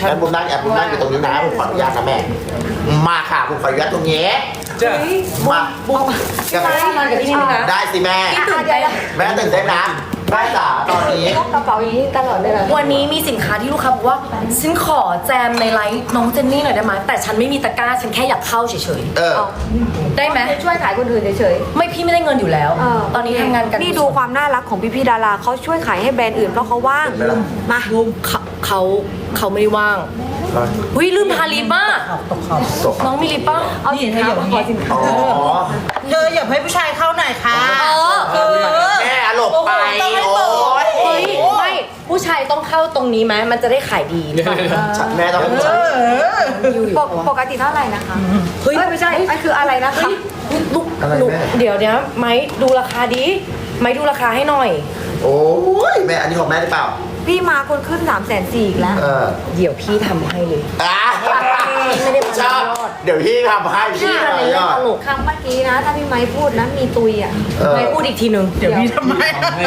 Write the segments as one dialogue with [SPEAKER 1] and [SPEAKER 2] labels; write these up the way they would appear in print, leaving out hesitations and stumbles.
[SPEAKER 1] ฉันบุญนั่งบุญนั่งอยู่ตรงนี้นะผมขออนุญาตนะแม่มาค่ะผมขออนุญาตตรงนี้มา
[SPEAKER 2] บุ้มพี่ไม้นอนกับพี่นี่นะ
[SPEAKER 1] ได้สิแม่
[SPEAKER 2] พี่ตื่นเต้น
[SPEAKER 1] แม่ตื่นเต้นนะแม่จ๋าตอนนี้
[SPEAKER 3] พกกระเป๋าอย่างนี้ตลอดเลยเหรอ
[SPEAKER 2] วันนี้มีสินค้าที่ลูกค้าบอกว่าฉันขอแจมในไลฟ์น้องเจนนี่หน่อยได้ไหมแต่ฉันไม่มีตะกร้าฉันแค่อยากเข้าเฉย
[SPEAKER 1] เออ
[SPEAKER 2] ๆได้ไหม
[SPEAKER 3] ช่วยขายคนอื่นเฉย
[SPEAKER 2] ไม่พี่ไม่ได้เงินอยู่แล้ว
[SPEAKER 3] ๆ
[SPEAKER 2] ตอนนี้ทำงานกัน
[SPEAKER 3] นี่ดูความน่ารักของพี่ๆดาราเขาช่วยขายให้แบรนด์อื่นเพราะเขาว่าง
[SPEAKER 1] เห็นไหมล่ะ
[SPEAKER 3] มา
[SPEAKER 2] เขาไม่ได้ว่างหุ้ยลืมทาลิปป่ะน้องมีลิปป่ะ
[SPEAKER 3] เอาสินค้ามาขอสินค้า
[SPEAKER 1] อ๋อ
[SPEAKER 4] เธออย่าให้ผู้ชายเข้าหน่อยค่ะ
[SPEAKER 1] แม่หลบไป
[SPEAKER 4] ต้องให้
[SPEAKER 1] โอ้
[SPEAKER 4] เปิด
[SPEAKER 1] ย
[SPEAKER 2] เฮ้ยไม่ผู้ชายต้องเข้าตรงนี้ไหมมันจะได้ขายดี
[SPEAKER 1] แม่ต้องให้ฉัน
[SPEAKER 3] ปกติเท่าไหร่นะคะ
[SPEAKER 2] เฮ้ย
[SPEAKER 3] ไม่ใช่อันคืออะไรนะคะ
[SPEAKER 2] ลูกเดี๋ยวเนี้ยไม้ดูราคาดิไม้ดูราคาให้หน่อย
[SPEAKER 1] โอ้ยแม่อันนี้ของแม่หรือเปล่า
[SPEAKER 3] พี่มาคนขึ้น340,000อีกแล้ว
[SPEAKER 1] เออ
[SPEAKER 2] เดี๋ยวพี่ทำให้เลย
[SPEAKER 1] อ่ะ
[SPEAKER 2] ไม่ได้มา
[SPEAKER 1] ชอบ
[SPEAKER 2] ยอด
[SPEAKER 1] เดี๋ยวพี่ทำให้พี่
[SPEAKER 2] พี่อะไร
[SPEAKER 1] ย
[SPEAKER 2] เล่น
[SPEAKER 1] อด
[SPEAKER 2] ตลก
[SPEAKER 3] คำเมื่อกี้นะ ถ้าพี่ไม้พูดนะมีตุยอ่ะ
[SPEAKER 1] เออ
[SPEAKER 2] ไม้พูดอีกทีนึง
[SPEAKER 4] เดี๋ยวพี่ทำไม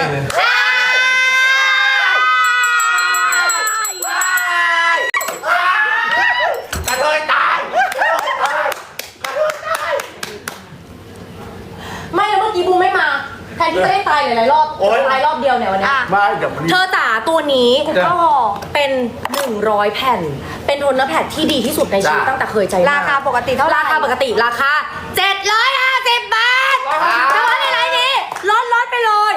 [SPEAKER 1] กระเทยตาย
[SPEAKER 2] ไม่แล้วเมื่อกี้บูมไม่มาแทนที่จะได้ตายหลายๆรอบตายรอบเดียวเนี่ยวันนี้
[SPEAKER 1] ไม่เดี๋ยวมัน
[SPEAKER 2] เธอจ๋าตัวนี้
[SPEAKER 3] ก็ห่อ
[SPEAKER 2] เป็น 100 แผ่น เป็นโทนเนอร์แพดที่ดีที่สุดในชีวิตตั้งแต่เคยใจม
[SPEAKER 3] ราคาปกติเท่าไหร่
[SPEAKER 2] ราคาปกติราคา750 บาทแต่ว่าในไลน์นี้ลดไปเลย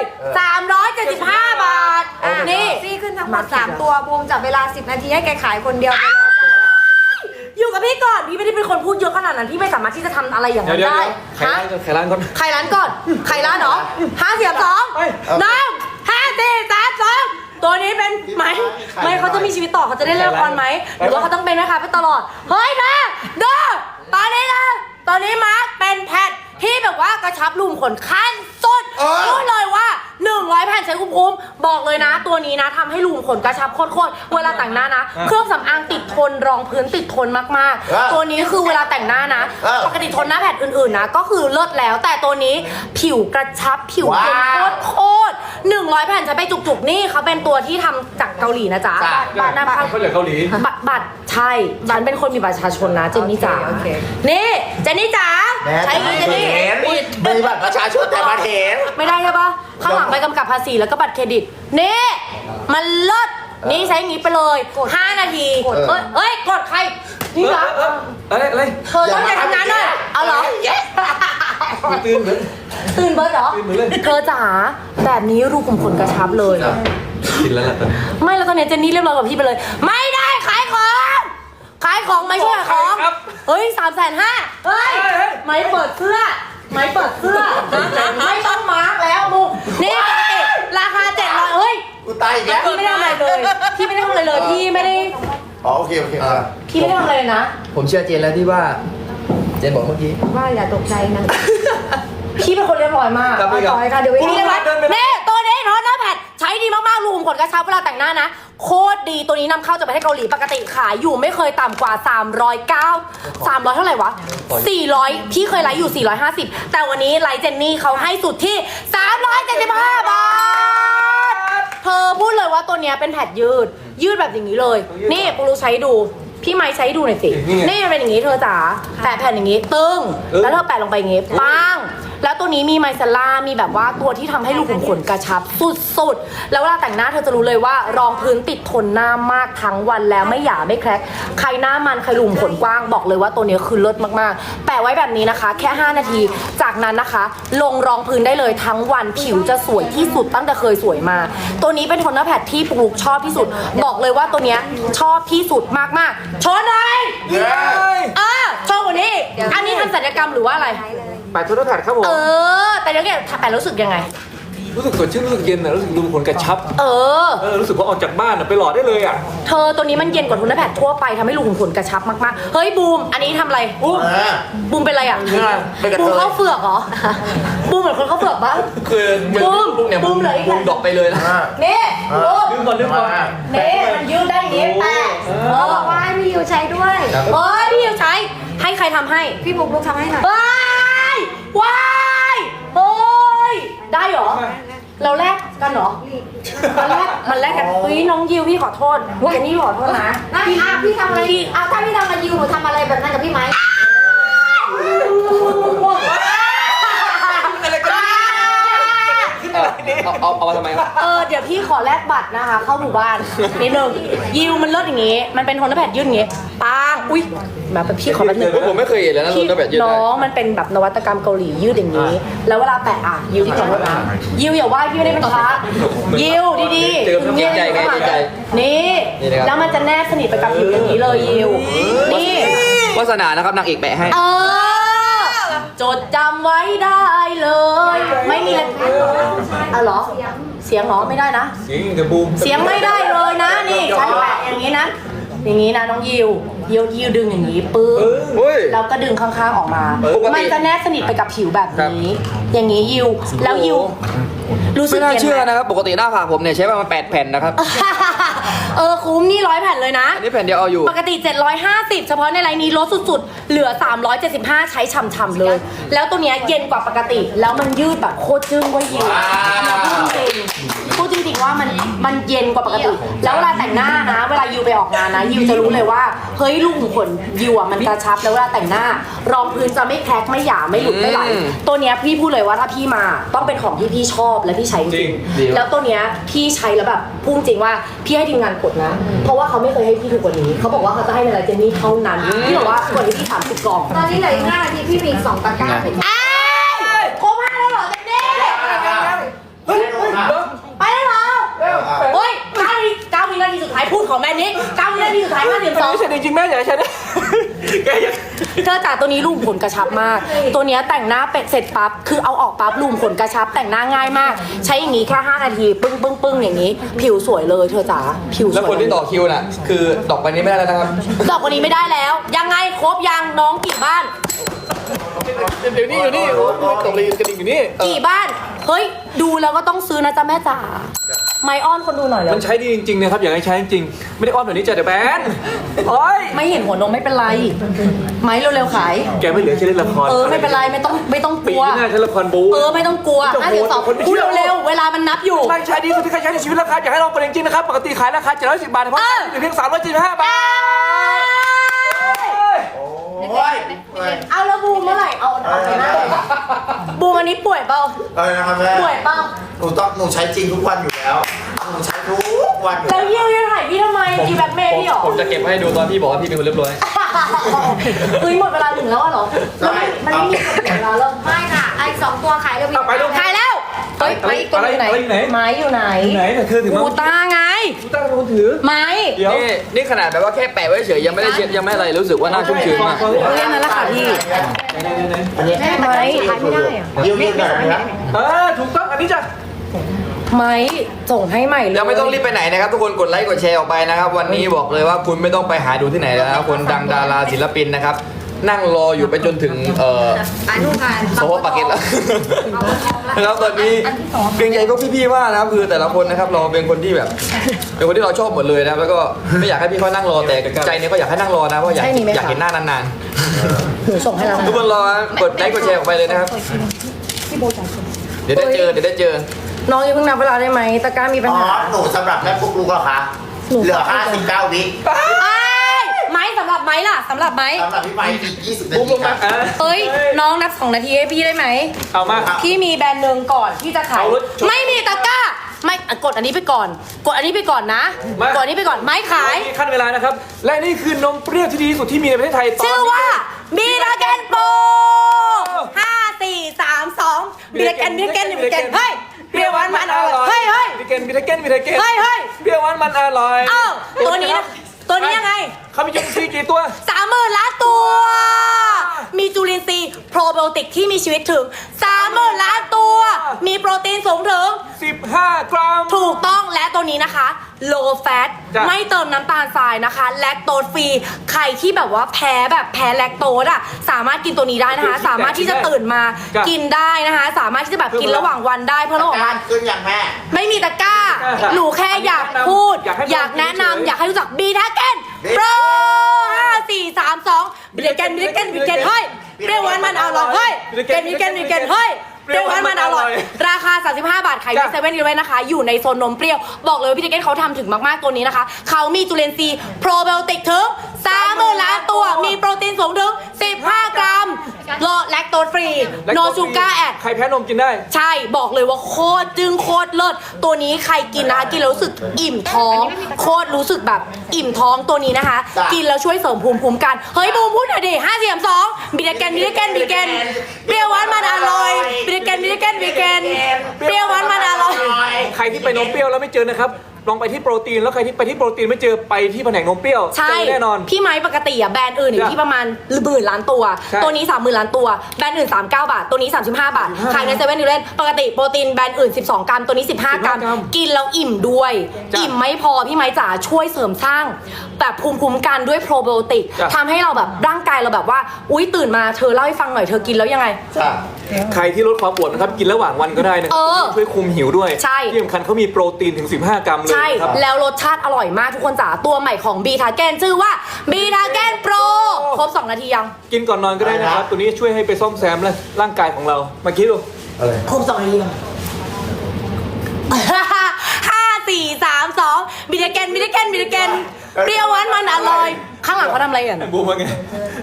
[SPEAKER 2] 375 บาท นี่
[SPEAKER 3] ซี่ขึ้นทั้งหมด3ตัวบูมจับเวลา10 นาทีให้แกขายคนเดียวไปเลย
[SPEAKER 2] อยู่กับพี่ก่อน พี่ไม่ได้เป็นคนพูดเยอะขนาดนั้น พี่ไม่สามารถที่จะทำอะไรอย่างนั้นได้
[SPEAKER 5] ไข่ร้านก่อน
[SPEAKER 2] ใครร้านก่อนใครร้านเหรอ5 4 3 2 1 5 4 3 2ตัวนี้เป็นไหมไม่เขาจะมีชีวิตต่อเขาจะได้เล่นละครไหมหรือว่าเขาต้องเป็นนะคะไปตลอดเฮ้ยนะดูตอนนี้นะตอนนี้มาร์คเป็นแพทที่แบบว่ากระชับรูมขนขั้นสุดพูดเลยว่า100 แผ่นใช้คุ้มๆบอกเลยนะ ตัวนี้นะทำให้รูมขนกระชับโคตรๆเวลาแต่งหน้านะเครื่องสำอางติดทนรองพื้นติดทนมากๆตัวนี้คือเวลาแต่งหน้านะปกติทนหน้าแผ่นอื่นๆนะก็คือเลิศแล้วแต่ตัวนี้ผิวกระชับผิวเป็นโคตร100 แผ่นใช้ไปจุกๆนี่เขาเป็นตัวที่ทำจากเกาหลีนะจ๊ะบัตรนำเข้า
[SPEAKER 5] เขาจากเกาหลี
[SPEAKER 2] บัตรใช่ฉันเป็นคนมีบัตรประชาชนนะเจนนี่จ๋า
[SPEAKER 3] โอเค
[SPEAKER 2] นี่เจนนี่จ๋า
[SPEAKER 1] แม่
[SPEAKER 2] ใช้นี้เจนนี่
[SPEAKER 1] เห็นมีบัตรประชาชนแต่มาเห็น
[SPEAKER 2] ไม่ได้ใช่ปะข้างหลังไปกำกับภาษีแล้วก็บัตรเครดิตนี่มันเลิศนี่ใช้อย่างนี้ไปเลย5 นาทีเอ้ยกดใครนี่นะ
[SPEAKER 5] อะไร
[SPEAKER 2] เธอต้องใจทำงานด้วยเอาเหรอ
[SPEAKER 5] ตื่นเหมือน
[SPEAKER 2] ตื่นเบิร์ดเหรอ
[SPEAKER 5] ตื่นเหมือนเลย
[SPEAKER 2] เธอจ๋าแบบนี้รูขุมขนกระชับเลย
[SPEAKER 5] กินแล้วล่ะตอนนี้
[SPEAKER 2] ไม่แล้วตอนนี้เจนนี่เรียบร้อยกับพี่ไปเลย ไม่ได้ขายของไม่ใช่ขายของเฮ้ย350,000เฮ้ยไม่เปิดเสื้อไม่เปิดเสื้อไม่ต้องมาร์กแล้วมูนี่ปกติราคา700เฮ้ย
[SPEAKER 1] กูตายอีกแล้ว
[SPEAKER 2] พี่ไม่ได้ทำอะไรเลยพี่ไม่ได้ทำอะไรเลยพี่ไม่ได้
[SPEAKER 1] อ๋อโอเคโอเค
[SPEAKER 2] พี่ไม่ได้ทำอะไรเลยนะ
[SPEAKER 5] ผมเชื่อเจนแล้วที่ว่า เจนบอกเมื่อกี้
[SPEAKER 3] ว่าอย่าตกใจนะ
[SPEAKER 2] พี่เป็นคนเรียบร้อยมาก
[SPEAKER 5] ครับพี่ครับ
[SPEAKER 3] ต่อยค่ะเดี๋ยว
[SPEAKER 2] พี่เรียบร้อยนี่ตัวนี้โทนหน้าแผ่นใช้ดีมากๆรูขุมขนกระชับเวลาแต่งหน้านะโคตรดีตัวนี้นำเข้าจากประเทศเกาหลีปกติขายอยู่ไม่เคยต่ำกว่า300เท่าไหร่วะ400พี่เคยไลฟ์อยู่450แต่วันนี้ไลฟ์เจนนี่เขาให้สุดที่375 บาทเธอพูดเลยว่าตัวเนี้ยเป็นแผ่นยืดแบบอย่างนี้เลยนี่ปูรู้ใช้ดูพี่ไม้ใช้ดูหน่อยสินี่มันเป็นอย่างนี้เธอจ๋าแปะแผ่นอย่างนี้ตึ้งแล้วเธอแปะลงไปอย่างนี้ปังแล้วตัวนี้มีไมซาร่ามีแบบว่าตัวที่ทำให้รูขุมขนกระชับสุดๆแล้วเวลาแต่งหน้าเธอจะรู้เลยว่ารองพื้นติดทนหน้ามากทั้งวันแล้วไม่หยาไม่แคร็กใครหน้ามันใครรูขุมขนกว้างบอกเลยว่าตัวนี้คือเลิศมากๆแปะไว้แบบนี้นะคะแค่5 นาทีจากนั้นนะคะ ลงรองพื้นได้เลยทั้งวันผิวจะสวยที่สุดตั้งแต่เคยสวยมาตัวนี้เป็นโทนเนอร์แพดที่ปลูกชอบที่สุดบอกเลยว่าตัวเนี้ยชอบที่สุดมากๆชนเลยโชว์กว่านี้อันนี้ทำศัลยกรรมหรือว่าอะไร
[SPEAKER 5] แปะทุกแผ่นครับผม
[SPEAKER 2] แต่เดี๋ยวแกแปะรู้สึกยังไง
[SPEAKER 5] รู้สึกสดชื่นรู้สึกเย็นนะรู้สึกดูคนกระชับ รู้สึกว่าออกจากบ้านไปหล่อได้เลยอ่ะ
[SPEAKER 2] เธอตัวนี้มันเย็นกว่าโทนเนอร์แพดทั่วไปทำให้รูขุมขนกระชับมากๆเฮ้ยบูมอันนี้ทำอะไรบูมเป็นอะไรอ่ะบูมเข้าเฟือกเหรอบูมเหมือนคนเข้าเฟือกปะ
[SPEAKER 5] คือบูมเลยบูมดอกไปเลยนะ
[SPEAKER 2] นี่บูม
[SPEAKER 5] ลืมก่อน
[SPEAKER 2] นี่มันยืดได้อย่างนี้แปะ
[SPEAKER 3] บอกว่าให้พี่ยูใช้ด้วย
[SPEAKER 2] พี่ยูใช้ให้ใครทำให้
[SPEAKER 3] พี่บุกลุกทำให้หน่อย
[SPEAKER 2] ว้ายโอ้ยได้เหรอเราแลกกันเหรอมันแลกกันเฮ้ยน้องยิวพี่ขอโทษเจนนี่ขอโทษนะ
[SPEAKER 3] พี่
[SPEAKER 2] พี่
[SPEAKER 3] เอาถ้าพี่ทำกับยูหนูทำอะไรแบบนั้นกับพี่ไหม
[SPEAKER 5] เอามาทำไมครับ
[SPEAKER 2] เดี๋ยวพี่ขอแลกบัตรนะคะ เข้าหมู่บ้านนิดนึงยิวมันเลิศอย่างงี้ มันเป็นโทนแพดยืดอย่างงี้ปังอุ้ยแบบพี่ขอแป๊บนึง
[SPEAKER 5] ผมไม่เคยเห็นเลยนะ
[SPEAKER 2] พี่
[SPEAKER 5] โดนแบบยืดได้
[SPEAKER 2] น้องมันเป็นแบบนวัตกรรมเกาหลียืดอย่างนี้ แล้วเวลาแปะยิวที่ขอโทษนะยิวอย่าว่าพี่ไม่ได้เป็นพระยิวดีๆ
[SPEAKER 5] เจอเกรงใจไงเกรงใจ
[SPEAKER 2] นี่
[SPEAKER 5] นี่นะครับ
[SPEAKER 2] แล้วมันจะแนบสนิทไปกับผิวอย่างนี้เลยยิวนี่
[SPEAKER 5] วาสนานะครับนางเอกแปะให้
[SPEAKER 2] จดจำไว้ได้เลย ไม่มีอะไรเหรอเสียงเหรอไม่ได้นะ
[SPEAKER 5] เสียงกระบูม
[SPEAKER 2] เสียงไม่ได้เลยนะนี่ใช้แปะอย่างนี้นะอย่างนี้นะน้องยิวดึงอย่างนี้ปึ๊บ
[SPEAKER 5] เฮ้ย
[SPEAKER 2] แล้วก็ดึงข้างๆออกมา
[SPEAKER 5] ปกติ
[SPEAKER 2] มันจะแนบสนิทไปกับผิวแบบนี้ อย่างนี้ยิวแล้วยิวรู้สึ
[SPEAKER 5] ไม่
[SPEAKER 2] ก
[SPEAKER 5] น่า
[SPEAKER 2] ย็ไหม
[SPEAKER 5] เชื่อนะครับ ปกติหน้าผากผมเนี่ยใช้ประมาณ8 แผ่นนะครับ
[SPEAKER 2] คุ้มนี่100 แผ่นเลยนะ
[SPEAKER 5] อันนี้แผ่นเดียวเอาอยู่
[SPEAKER 2] ปกติ 750 เฉพาะในไลน์นี้ลดสุดๆ เหลือ 375 ใช้ฉ่ำๆเลย แล้วตัวเนี้ยเย็นกว่าปกติ แล้วมันยืดแบบโคตรจึ้งเว่ายิวพูดจริงๆว่ามันเย็นกว่าปกติ แล้วเวลาแต่งหน้านะ เวลายิวไปออกงานนะยิวจะรู้เลยว่าเฮ้ยลูกขุมขนยิวอ่ะมันกระชับแล้วเวลาแต่งหน้ารองพื้นจะไม่แคร็กไม่หยาไม่หลุดไม่ไหล
[SPEAKER 5] อืม
[SPEAKER 2] ตัวเนี้ยพี่พูดเลยว่าถ้าพี่มาต้องเป็นของที่พี่ชอบและพี่ใช้จ
[SPEAKER 5] จริ
[SPEAKER 2] ริ
[SPEAKER 5] ง
[SPEAKER 2] ง
[SPEAKER 5] ดี
[SPEAKER 2] ๆแล้วตัวเนี้ยพี่ใช้แล้วแบบพูดจริงว่าพี่ให้ทีมงานกดนะ เพราะว่าเขาไม่เคยให้พี่ถูกกว่านี้ เขาบอกว่าเขาจะให้ในไลน์เจนนี่เท่านั้นพี่บอกว่ากดให้พี่30 กล่อง
[SPEAKER 3] ตอนนี้เหลืออีก5 นาทีพี่มีอีก2 ตะกร้าเลย
[SPEAKER 2] อ้าวครบ5แล้วเหรอเจนนี่ไปแล้วเหรอเฮ้ย9 วินาทีสุดท้ายพูดของแม่นี้9 วินาทีสุดท้าย52
[SPEAKER 5] ไม่ใช่จริงๆแม่อย่าใช้นะแกอย่า
[SPEAKER 2] เธอจ๋าตัวนี้รูมขนกระชับมาก ตัวเนี้ยแต่งหน้าเป็ดเสร็จปั๊บ คือเอาออกปั๊บรูมขนกระชับ แต่งหน้าง่ายมาก ใช้อย่างนี้แค่5 นาที ปึ้งปึ้งปึ้งอย่างนี้ ผิวสวยเลยเธอจ๋า ผิวสวย
[SPEAKER 5] แล้วคนที่ต่อคิวน่ะ คือดอกไปนี้ไม่ได้แล้วนะครับ
[SPEAKER 2] ดอกกว่านี้ไม่ได้แล้ว ยังไงครบยังน้องกี่บ้าน
[SPEAKER 5] เดี๋ยวนี้อยู่นี่โอ้ยตกเลยกระดิ่งอยู่นี่
[SPEAKER 2] กี่บ้าน เฮ้ย ดูแล้วก็ต้องซื้อนะจ๊ะแม่จ๋า ไมอ้อนคนดูหน่อยแล้ว
[SPEAKER 5] มันใช้ดีจริงๆนะครับอยากให้ใช้จริงๆไม่ได้อ้อนแบบนี้จ้ะเดี๋ยวแบนโอ้ย
[SPEAKER 2] ไม่เห็นหัวนมไม่เป็นไร ไม้เร็วๆขาย
[SPEAKER 5] แกไม่เหลือใช้เล่นละคร
[SPEAKER 2] ไม่เป็นไรไม่ต้องก
[SPEAKER 5] ปี
[SPEAKER 2] ลัว
[SPEAKER 5] หน้าใช้ละครบู
[SPEAKER 2] ไม่ต้องกลัว
[SPEAKER 5] โอ้โหแต่คนไม่เชื่
[SPEAKER 2] พูด
[SPEAKER 5] อ
[SPEAKER 2] เร็วๆเวลามันนับอยู่
[SPEAKER 5] ไม่ใช้ดีสุดที่เคยใช้ในชีวิตแล้วครับอยากให้ลองกันจริงๆนะครับปกติขายราคา710 บาทเฉพาะเหลือเพียง375 บาท
[SPEAKER 1] โอ้ย
[SPEAKER 2] เอาแล้วบูมเมื่อไหร่เอาไปนะบูมอันนี้ป่วยเปล่า
[SPEAKER 1] อะไรนะครับแม่
[SPEAKER 2] ป่วยเปล่า
[SPEAKER 1] หนูใช้จริงทุกวันอยู่แล้วหนูใช้ทุกวันอยู่
[SPEAKER 2] แล้วยิ้วยังถ่ายพี่ทำไมพี่แบ็คเมย์พี่หรอ
[SPEAKER 5] ผมจะเก็บให้ดูตอนพี่บอกว่าพี่เป็นคนเรียบร้อย
[SPEAKER 2] เฮ้ยหมดเวลาถึงแล้วอะเหรอมันไม่มีคนเสียเวลาแล้ว
[SPEAKER 3] ไม่ค่ะไอ้2 ตัวขายเร็ว
[SPEAKER 5] เอาไปลูก
[SPEAKER 2] ถ่ายแล้วเฮ้ยไม้ตัวอยู่ไหน
[SPEAKER 5] อะไรอยู่ไหน
[SPEAKER 2] ไม้อยู่ไหน
[SPEAKER 5] ไหนแต่เธอถือมา
[SPEAKER 2] กูตาไง
[SPEAKER 5] ตั้งคนถือ
[SPEAKER 2] ไม้
[SPEAKER 5] เดี๋ยวนี่ขนาดแบบว่าแค่แปะไว้เฉยยังไม่ได้เช็ดยังไม่อะไรรู้สึกว่าน่าชุ่มชื้นมาก
[SPEAKER 2] เรื่องนั้นแหละค่ะพี่
[SPEAKER 1] อันนี้
[SPEAKER 2] ไม้ขายไม่ได้อะ
[SPEAKER 1] ยืดหน่อยนะครับ
[SPEAKER 5] ถูกต้องอันนี้จ้ะ
[SPEAKER 2] ไม้ส่งให้ใหม่เลย
[SPEAKER 5] ยังไม่ต้องรีบไปไหนนะครับทุกคนกดไลค์กดแชร์ออกไปนะครับวันนี้บอกเลยว่าคุณไม่ต้องไปหาดูที่ไหนแล้วนะครับคนดังดาราศิลปินนะครับนั่งรออยู่ไปจนถึง
[SPEAKER 3] ๆนู่นค่ะ
[SPEAKER 5] โซฟาปากเก็ตแล้วนะครับตอนนี้เกรงใจพวกพี่ๆมากนะครับคือแต่ละคนนะครับเราเป็นคนที่แบบเป็นคนที่เราชอบหมดเลยนะครับแล้วก็ไม่อยากให้พี่เขานั่งรอแต่ใจเนี่ยก็อยากให้นั่งรอนะเพราะอยากเห็นหน้านาน
[SPEAKER 2] หนูส่งให้แล้ว
[SPEAKER 5] ๆทุกคนรอกดไลค์กดแชร์ออกไปเลยนะครับเดี๋ยวได้เจอ
[SPEAKER 2] น้องอย่าเพิ่งนับเวลาได้ไหมตะกร้ามีปัญ
[SPEAKER 1] อ๋อ
[SPEAKER 2] หา
[SPEAKER 1] หนูสำหรับแม่ปุ๊กลุกเหรอคะเหลือ59 วิ
[SPEAKER 2] ไม้สำหรับไม้ล่ะสำหรับไม้
[SPEAKER 1] สำหรับพี่ไม้อีก20 นา
[SPEAKER 5] ปุ๊บ
[SPEAKER 1] ที
[SPEAKER 5] ลง
[SPEAKER 1] ค
[SPEAKER 5] มา
[SPEAKER 1] รับ
[SPEAKER 2] เฮ้ยน้องนับ2 นาทีให้พี่ได้ไหม
[SPEAKER 5] เอามา
[SPEAKER 2] พี่มีแบรนด์หนึ่งก่อนที่จะขาย
[SPEAKER 5] เอารถชน
[SPEAKER 2] ไม่มีตะกร้าไม่กดอันนี้ไปก่อน กดอันนี้ไปก่อนนะ
[SPEAKER 5] มาก
[SPEAKER 2] ดอันนี้ไปก่อนไม้ขาย
[SPEAKER 5] ขั้นเวลานะครับและนี่คือนมเปรี้ยวที่ดีที่สุดที่มีในประเทศไทยตอน
[SPEAKER 2] ชื่อ
[SPEAKER 5] นี้
[SPEAKER 2] ว่าบีลาเกนโป5 4 3 2บีลาเกนเฮ้ยเปรี้ยวหวานมันอร่อยเฮ้ย
[SPEAKER 5] บิทเกนเฮ้ย
[SPEAKER 2] เฮ้ย
[SPEAKER 5] เปรี้ยวหวานมันอร่อย
[SPEAKER 2] เอ้าตัวนี้นะตัวนี้ยังไง
[SPEAKER 5] เขามีจุลินทรีย์กี่ตัว
[SPEAKER 2] 30,000 ล้านตัว มีจุลินทรีย์โปรไบโอติกที่มีชีวิตถึง 30,000 ล้านตัว มีโปรตีนสูงถึง
[SPEAKER 5] 15 กรัม
[SPEAKER 2] ถูกต้องและตัวนี้นะคะ low fat
[SPEAKER 5] จ้ะ
[SPEAKER 2] ไม่เติมน้ำตาลทรายนะคะแลคโตสฟรีใครที่แบบว่าแพ้แลคโตสอ่ะสามารถกินตัวนี้ได้นะคะ สามารถที่จะตื่นมากินได้นะคะ สามารถที่จะแบบกินระหว่างวันได้เพื่อระหว่างวัน
[SPEAKER 1] ขึ้นอย่างแม่
[SPEAKER 2] ไม่มีตะกร้า หนูแค่อยากพูด อยากแนะนำอยากให้รู้จักบีทาเกนโปร5 4 3 2บีทาเกนเฮ้ยเปรี้ยวหวานมันอร่อยเฮ้ยเกนเฮ้ยเปรี้ยวหวานมันอร่อย ราคา 35 บาทขายที่เซเว่นอีเลฟเว่นนะคะ อยู่ในโซนนมเปรี้ยว บอกเลยว่าพี่เจเก้นเขาทำถึงมากๆตัวนี้นะคะ เขามีจุลินทรีย์โปรไบโอติกถึง
[SPEAKER 5] และ
[SPEAKER 2] no sugar add
[SPEAKER 5] ใครแพ้นมกินได้
[SPEAKER 2] ใช่บอกเลยว่าโคตรจึงโคตรเลิศตัวนี้ใครกินนะคะกินแล้วรู้สึกอิ่มท้อง โคตรรู้สึกแบบอิ่มท้องตัวนี้นะคะ
[SPEAKER 1] จ้ะ
[SPEAKER 2] กินแล้วช่วยเสริมภูมิคุ้มกันเฮ้ยบูมพูดหน่อยดิ5 4 3 2บิดแกนบิดแกนบิดแกนเปรี้ยวหวานมันอร่อยบิดแกนบิดแกนบิดแกนเปรี้ยวหวานมันอร่อย
[SPEAKER 5] ใครที่ไปนมเปรี้ยวแล้วไม่เจอนะครับลองไปที่โปรตีนแล้วใครที่ไปที่โปรตีนไม่เจอไปที่แผนกนมเปรี้ยว
[SPEAKER 2] ใช่
[SPEAKER 5] เจอแน่นอน
[SPEAKER 2] พี่ไม้ปกติอะแบรนด์อื่นอยู่ที่ประมาณ10,000 ล้านตัว
[SPEAKER 5] ใช่
[SPEAKER 2] ตัวนี้ 30,000 ล้านตัว แบรนด์อื่น 39 บาท ตัวนี้ 35 บาท ขายในเซเว่นอีเลฟปกติโปรตีนแบรนด์อื่น 12 กรัม ตัวนี้ 15 กรัม กินแล้วอิ่มด้วย
[SPEAKER 5] จ้ะ
[SPEAKER 2] อิ่มไม่พอ พี่ไม้จ๋าช่วยเสริมสร้าง แบบภูมิคุ้มกันด้วยโปรไบโอติก
[SPEAKER 5] จ้ะ
[SPEAKER 2] ทำให้เราแบบร่างกายเราแบบว่า อุ๊ยตื่นมาเธอเล่าให้ฟังหน่อยเธอกินแล้วยังไง
[SPEAKER 1] จ้ะ
[SPEAKER 5] ใครที่ลดความอ้วนนะครับกินระหว่างวันก็ได้นะครั
[SPEAKER 2] เออ
[SPEAKER 5] ช่วยคุมหิวด้วย
[SPEAKER 2] ใช่
[SPEAKER 5] ที่สำคัญเขามีโปรตีนถึง 15 กรัมเลย
[SPEAKER 2] ใช่
[SPEAKER 5] นะครับ
[SPEAKER 2] แล้วรสชาติอร่อยมากทุกคนจ๋า ตัวใหม่ของบีทาแกนชื่อว่าบีทาแกนโปรครบ 2 นาทียัง
[SPEAKER 5] กินก่อนนอนก็ได้นะครับ ตัวนี้ช่วยให้ไปซ่อมแซมร่างกายของเรามาคิดดู
[SPEAKER 2] ครบ2 นาทียัง5 4 3 2บิดแกนบิดแกนบิดแกนเปรี้ยวหวานมันอร่อย ข้างหลังเขาทำอะไรกัน
[SPEAKER 5] บูมว่าไง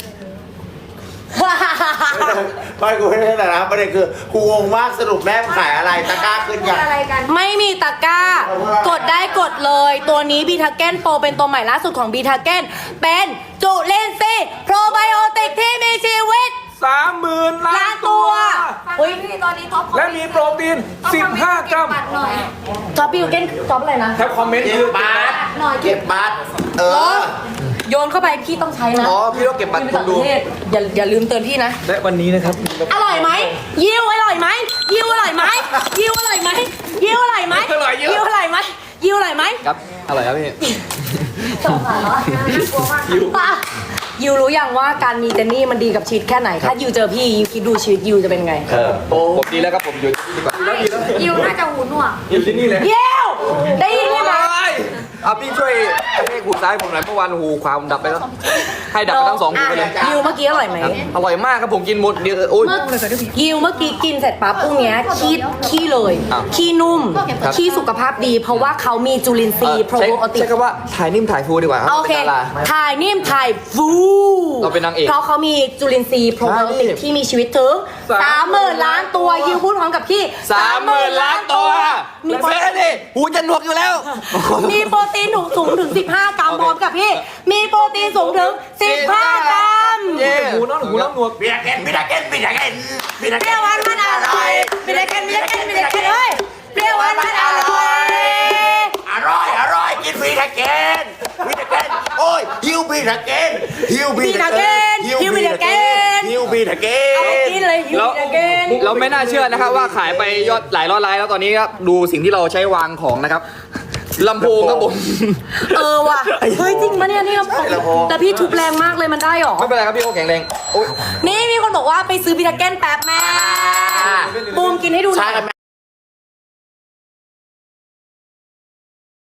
[SPEAKER 1] ไม่กูไม่ได้แต่นะประเด็นคือกูงงมากสรุปแม่ขายอะไรตะกร้าขึ้น
[SPEAKER 3] คือ
[SPEAKER 1] ยัง
[SPEAKER 3] อะไรกัน
[SPEAKER 2] ไม่มีตะกร้า กดได้กดเลย ตัวนี้บีทาเกนโปรเป็นตัวใหม่ล่าสุดของบีทาเกนเป็นจุลินทรีย์โปรไบโอติกที่มีชีวิต
[SPEAKER 5] 30,000 ล้า
[SPEAKER 2] ล้าน น
[SPEAKER 5] ตั
[SPEAKER 2] ตัว ว
[SPEAKER 3] เฮ้ยพี่ตอนนี้ท็อป
[SPEAKER 5] และมีโปรตีน 15 กรัม
[SPEAKER 3] บัตรหน่อย
[SPEAKER 2] จอบบีทาเกนจอบอะไรนะ
[SPEAKER 5] แท็บคอมเมนต์
[SPEAKER 1] เก็
[SPEAKER 5] คื
[SPEAKER 1] บ
[SPEAKER 5] อ
[SPEAKER 1] บัตร
[SPEAKER 3] หน่อย
[SPEAKER 1] เก็บบัตรเออ
[SPEAKER 2] โยนเข้าไปพี่ต้องใช้นะ
[SPEAKER 5] อ๋อพี่ต้องเก็บบัตร
[SPEAKER 2] พี่
[SPEAKER 5] ค
[SPEAKER 2] ไป
[SPEAKER 5] น
[SPEAKER 2] ต่างป
[SPEAKER 5] ดู
[SPEAKER 2] ระเทศอย่าลืมเตือนพี่นะ
[SPEAKER 5] และวันนี้นะครับ
[SPEAKER 2] อร่อยไหมยิวอร่อยไหมยิวอร่อยไหมยิวอร่อยไหมยิวอร่อยไหมยิวอร่อยไหมยิวอร่อยไหม
[SPEAKER 5] ครับอร่อยครับพี่
[SPEAKER 2] สงสารเหรอ
[SPEAKER 3] น่ากลัวมาก
[SPEAKER 2] ยิวรู้ยังว่าการมีเจนนี่มันดีกับชีวิตแค่ไหน ถ้ายิวเจอพี่ยิวคิดดูชีวิตยิวจะเป็นไง
[SPEAKER 5] ผมดีแล้วครับผมอยู่ที่นี่ดีกว่า
[SPEAKER 3] ยิวน่าจะหูหนวก
[SPEAKER 5] อยู่ที่นี่เลย
[SPEAKER 2] ยิวได้ยินไหม
[SPEAKER 5] เอาพี่ช่วยกระแทกหูซ้ายผมหน่อยเมื่อวานหูขวาผมดับไปแล้ว ให้ดับไปทั้งสองหูไปเลย
[SPEAKER 2] ยิวเมื่อกี้อร่อยไหม
[SPEAKER 5] อร่อยมากครับผมกินหมดเดียวโอ้ย
[SPEAKER 2] ยิวเมื่อกี้กินเสร็จปั๊บพรุ่งเนี้ยขี้เลย
[SPEAKER 5] อ้าว
[SPEAKER 2] ขี้นุ่ม
[SPEAKER 5] ครับ
[SPEAKER 2] ขี้สุขภาพดี เพราะว่าเขามีจุลินทรีย์โปรไบโอติก
[SPEAKER 5] ใช้คำว่าถ่ายนิ่มถ่ายฟูดีกว่ารับ
[SPEAKER 2] โอเค
[SPEAKER 5] ป็นดารา
[SPEAKER 2] ถ่ายนิ่มถ่ายฟู
[SPEAKER 5] เราเป็นนางเอก
[SPEAKER 2] เพราะเขามีจุลินทรีย์โปรไบโอติก
[SPEAKER 5] ใช่
[SPEAKER 2] ที่มีชีวิตถึง 30,000 ล้านตัวยิวพูดพร้อมกับพี่
[SPEAKER 5] 30,000 ล้านตัว
[SPEAKER 2] มีโปร
[SPEAKER 5] เฟ้ดิหูจะหนวกอยู่แล้ว
[SPEAKER 2] มีโปรตีนสูงถึง 15 กรัม
[SPEAKER 5] โอเค
[SPEAKER 2] พร้อมกับพี่ มีโปรตีนสูงถึง 15 กรัม
[SPEAKER 5] เย้หูน้องหนวก
[SPEAKER 1] บิดาเกนบิดาเกนบิดาเกนบิดา
[SPEAKER 2] เป
[SPEAKER 1] เก
[SPEAKER 2] รี้ยวน หวานมันอร่อยบิดาเกนบิดาเกนบิดาเกนเฮ้ยเปรี้ยวหวานมันอร่อย
[SPEAKER 1] อร่อยอร่อยกินบิดาเกนบิดาเกนโอ้ยฮิวบิดาเกนฮิวบิดาเกนฮิวบิดาเกน
[SPEAKER 2] เอาไปกินเลยยิว
[SPEAKER 5] แล้ว
[SPEAKER 2] บิดาเกน
[SPEAKER 5] เราไม่น่าเชื่อนะครับว่าขายไปยอดหลายร้อยไลน์แล้วตอนนี้ครับดูสิ่งที่เราใช้วางของนะครับลำโพงครับผม
[SPEAKER 2] เออว่ะ เฮ้ยจริงปะเนี่ยนี่เราแต่พี่ทุบแรงมากเลยมันได้หรอ
[SPEAKER 5] ไม่เป็นไรครับพี่โอแข็งแรงโอ้ย
[SPEAKER 2] นี่มีคนบอกว่าไปซื้อบิดาเกนแป๊บแม่บูมกินให้ดูหน่
[SPEAKER 1] ใช่
[SPEAKER 2] อย
[SPEAKER 1] ครับ